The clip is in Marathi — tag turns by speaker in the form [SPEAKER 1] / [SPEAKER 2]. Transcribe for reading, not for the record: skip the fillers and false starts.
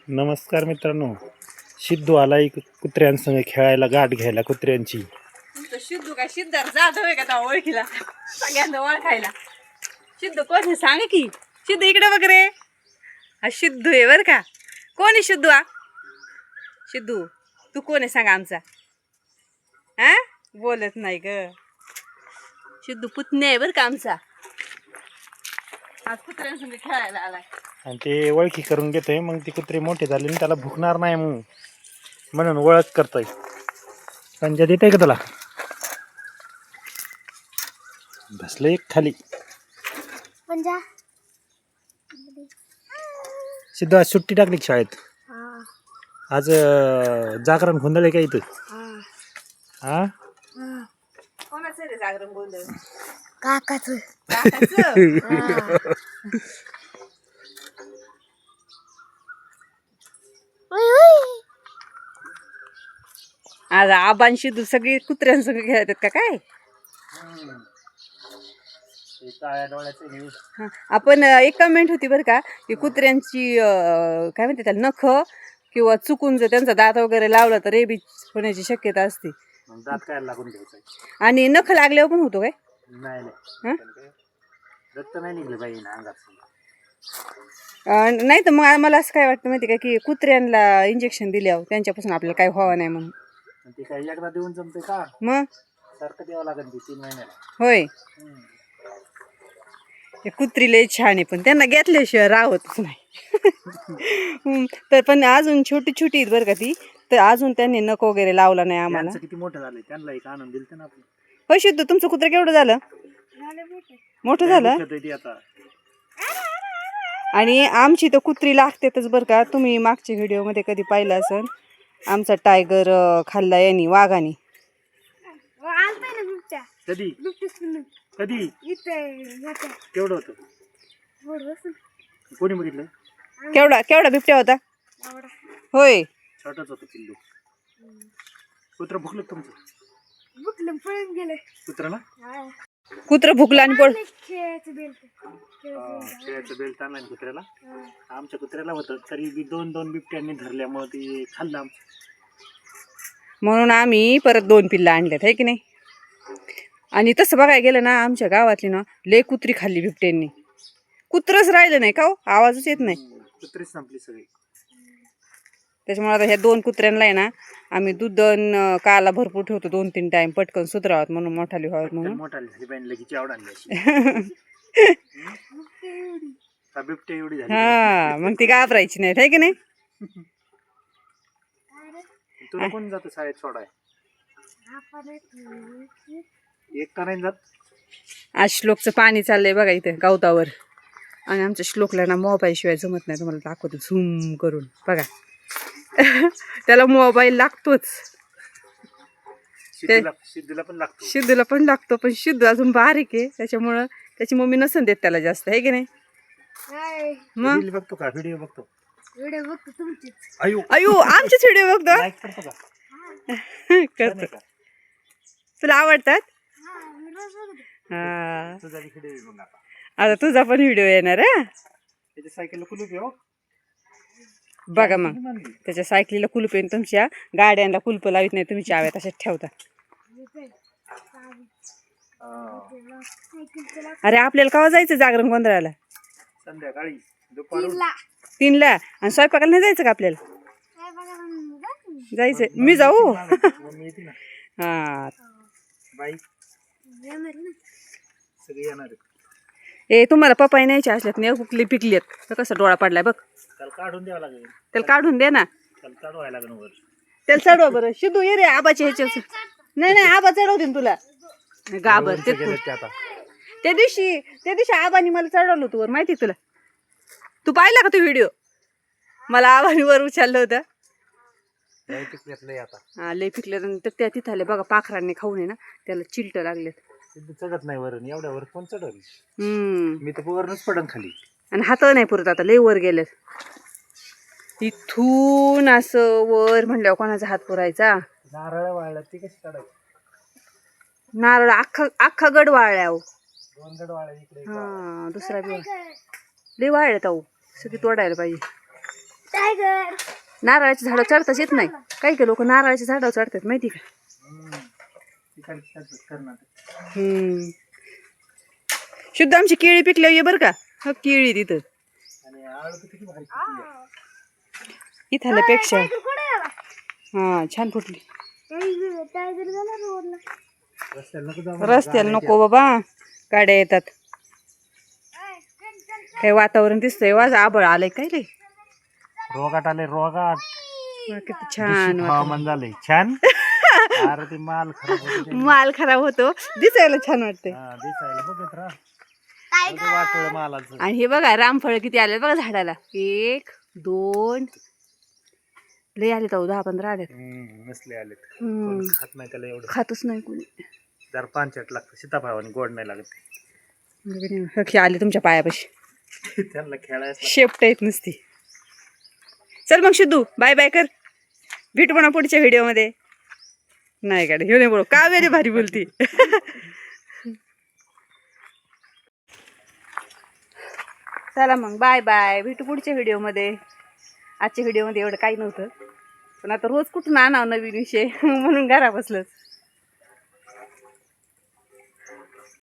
[SPEAKER 1] नमस्कार मित्रांनो, सिद्धू आलाय कुत्र्यांसंग खेळायला, गाठ घ्यायला कुत्र्यांची.
[SPEAKER 2] सिद्धू काय सिद्धार्थ जाधव आहे का त्या ओळखीला सगळ्यांना ओळखायला? सिद्धू कोण आहे सांग की. सिद्धू इकडे बघ रे, हा सिद्धू आहे बर का. कोण आहे सिद्धू? हा सिद्धू तू कोण आहे सांग आमचा? हा बोलत नाही ग. सिद्धू पुतण्या आहे बर का आमचा. आज कुत्र्यांसंग खेळायला आलाय
[SPEAKER 1] आणि ते ओळखी करून घेतोय. मग ती कुत्रे मोठे झाले आणि त्याला भुकणार नाही म्हणून ओळख करतोय. पंजा देत आहे का तुला? बसले खाली.
[SPEAKER 3] पंजा
[SPEAKER 1] सिद्धू आज सुट्टी टाकली का शाळेत? आज जागरण गोंधळ आहे का इथं? हा
[SPEAKER 2] कोणाचं रे जागरण गोंधळ?
[SPEAKER 3] काकाचं.
[SPEAKER 2] आज आबान सिद्धू सगळी कुत्र्यांसंग खेळतात का काय? हा, आपण एक कमेंट होती बरं का की कुत्र्यांची काय म्हणते त्याला नख किंवा चुकून जर त्यांचा दात वगैरे लावला तर रेबीज होण्याची शक्यता असते.
[SPEAKER 1] दात काय लागून घ्यायचं?
[SPEAKER 2] आणि नख लागल्यावर पण होतो काय?
[SPEAKER 1] नाही रक्त नाही निघलं पाहिजे ना अंगात.
[SPEAKER 2] नाही तर मग मला असं काय वाटतं माहिती का की कुत्र्यांना इंजेक्शन दिल्यावर त्यांच्यापासून आपल्याला काय व्हावं नाही म्हणून.
[SPEAKER 1] ते काही एकदा देऊन जमते का?
[SPEAKER 2] मग
[SPEAKER 1] सारखं द्यावं लागेल 3 महिन्याला.
[SPEAKER 2] होय, हे कुत्री लय छान आहे पण त्यांना घेतल्याशिवाय राहतच नाही. तर पण अजून छोटी छोटी आहेत बरं का ती. तर अजून त्यांनी नख वगैरे लावला नाही आम्हाला.
[SPEAKER 1] किती मोठं झालंय, त्यांना एक आनंद दिलते ना आपण.
[SPEAKER 2] होय सिद्धू, तुमचं कुत्रं केवढं झालं? मोठं झालं.
[SPEAKER 1] आता
[SPEAKER 2] आणि आमची तर कुत्री लागतेच बरं का. तुम्ही मागच्या व्हिडिओमध्ये कधी पाहिलं असेल, आमचा टायगर खाल्ला यांनी, वाघाने.
[SPEAKER 1] कधी कधी केवढं होतं? कोणी बघितलं?
[SPEAKER 2] केवढा केवढा बिबट्या होता? होय,
[SPEAKER 1] छोटाच होतं पिल्लू. कुत्रं भुकलं तुमचं?
[SPEAKER 3] पळून गेले
[SPEAKER 1] कुत्र्याला
[SPEAKER 2] कुत्रं भुकलं आणि पळ.
[SPEAKER 3] खेळायचं
[SPEAKER 1] बेल्ट आणला कुत्र्याला. आमच्या कुत्र्याला होतं तरी 2 बिबट्यांनी धरल्यामुळे ते खाल्लं आमचं.
[SPEAKER 2] म्हणून आम्ही परत 2 पिल्लं आणल्यात आहे की नाही. आणि तसं बघायला गेलं ना, आमच्या गावातली ना लय कुत्री खाल्ली बिबट्यांनी. कुत्रच राहिलं नाही का हो, आवाजच येत नाही.
[SPEAKER 1] कुत्रीच संपली सगळी.
[SPEAKER 2] त्याच्यामुळे आता ह्या 2 कुत्र्यांना आहे ना आम्ही दूध काला भरपूर ठेवतो 2-3 टाइम, पटकन सुधरावत म्हणून, मोठाली व्हावत म्हणून.
[SPEAKER 1] मोठाली झाली पाहिजे लगेच आवड आणली अशी. बिबट्या एवढी झाली.
[SPEAKER 2] हा, मग ती घाबरायची नाही आहे की नाही.
[SPEAKER 1] तुला कोण जातं शाळेत सोडाय? एक का नाही जात?
[SPEAKER 2] आज श्लोकचं पाणी चाललंय बघा इथे गवतावर. आणि आमच्या श्लोकला ना मोबाईल शिवाय जमत नाही. तुम्हाला दाखवतो झूम करून बघा. त्याला मोबाईल लागतोच.
[SPEAKER 1] सिद्धूला पण लागतो.
[SPEAKER 2] सिद्धूला पण लागतो, पण सिद्धू अजून बारीक आहे त्याच्यामुळं त्याची मम्मी नसन देत त्याला जास्त आहे की नाही. मग
[SPEAKER 1] बघतो का? व्हिडिओ बघतो.
[SPEAKER 3] व्हिडिओ बघतो तुमचीच.
[SPEAKER 2] अयो आमचेच व्हिडिओ बघतो.
[SPEAKER 1] लाईक करतो का?
[SPEAKER 2] करतो. तुला आवडतात? हा,
[SPEAKER 1] तुझा व्हिडिओ बघ आता.
[SPEAKER 2] आता तुझा पण व्हिडिओ येणार आहे.
[SPEAKER 1] त्याच्या सायकलला कुलूप आहे हो.
[SPEAKER 2] बघा मग, त्याच्या सायकलीला कुलूप आहे, तुमच्या गाड्यांना कुलप लावित नाही तुम्ही, चाव्या तशाच ठेवता. अरे आपल्याला केव्हा जायचं जागरण गोंधळाला?
[SPEAKER 1] संध्याकाळी दुपारून
[SPEAKER 2] 3ला. आणि स्वयंपाकाला नाही जायचं का आपल्याला? जायचंय. मी जाऊ? हा
[SPEAKER 1] बाई सगळे येणार आहेत.
[SPEAKER 2] ए तुम्हाला पपाई न्यायचे असल्यात नाही कुकली पिकलीत तर कसा डोळा पडलाय बघ.
[SPEAKER 1] त्याला काढून द्यावं लागेल.
[SPEAKER 2] त्याला काढून दे ना.
[SPEAKER 1] त्याला चढवायला लागेल वर.
[SPEAKER 2] त्याला चढवा बरं. शिदू ये रे आबाच्या ह्याच्या. नाही आबा चढवते ना तुला. गाबर त्या दिवशी आबानी मला चढवलं होतं वर, माहिती तुला? तू पाहिला का तो व्हिडिओ? मला आबानी वर उचललं होतं. हा लय पिकल्यानंतर त्या तिथं आले बघा, पाखरांनी खाऊन आहे ना त्याला चिलट लागलेत.
[SPEAKER 1] चढत नाही वरून, एवढ्या वर कोण चढवल? मी तर वरूनच पडन खाली. आणि
[SPEAKER 2] हात नाही पुरत आता, लय वर गेलेत. इथून असं वर म्हणल्यावर कोणाचा हात पुरायचा?
[SPEAKER 1] नारळ वाळला ती कशी काढायची?
[SPEAKER 2] नारळ अख्खा गड वाळल्या.
[SPEAKER 1] 2 गड वाळले इकडे.
[SPEAKER 2] हा दुसरा बी लय वाळल्यात अहो, सगळी तोडायला पाहिजे.
[SPEAKER 3] टायगर.
[SPEAKER 2] नारळाच्या झाडावर चढताच येत नाही. काही काही लोक नारळाच्या झाडावर चढतात माहिती का. हम्म. शुद्ध आमची केळी पिकल्यावर ये बरं का. हो केळी तिथं इथल्यापेक्षा.
[SPEAKER 3] टायगर कुठे गेला?
[SPEAKER 2] हा छान फुटली.
[SPEAKER 3] टायगर गेला रोडला.
[SPEAKER 2] रस्त्याला नको बाबा, गाड्या येतात. काय वातावरण दिसतंय, वाज आबळ आलंय काय रे.
[SPEAKER 1] रोगाट आले रोगाट.
[SPEAKER 2] किती छान
[SPEAKER 1] हवामान झालंय छान. अरे ते माल खराब होतो.
[SPEAKER 2] माल खराब होतो, दिसायला छान वाटतंय.
[SPEAKER 1] दिसायला बघत राहा वाटोळ मालाचं.
[SPEAKER 2] आणि हे बघा रामफळ किती आले बघा झाडाला. 1 2 लय आले तर 10-15 आले.
[SPEAKER 1] नसले आले खात नाही त्याला एवढं.
[SPEAKER 2] खातच नाही कोणी.
[SPEAKER 1] जर पानचट लागतं सीताफळाने गोड नाही लागत.
[SPEAKER 2] हे आले तुमच्या पायापाशी.
[SPEAKER 1] त्यांना खेळायचं
[SPEAKER 2] शेपट येत नसती. चल मग शुद्धू बाय बाय कर. भेटू म्हणा पुढच्या व्हिडिओमध्ये. नाही का घेऊन बोल का वेरी भारी बोलती. चला मग बाय बाय, भेटू पुढच्या व्हिडिओमध्ये. आजच्या व्हिडिओमध्ये एवढं काही नव्हतं, पण आता रोज कुठून आणावं नवीन विषय म्हणून घरा बसलंच.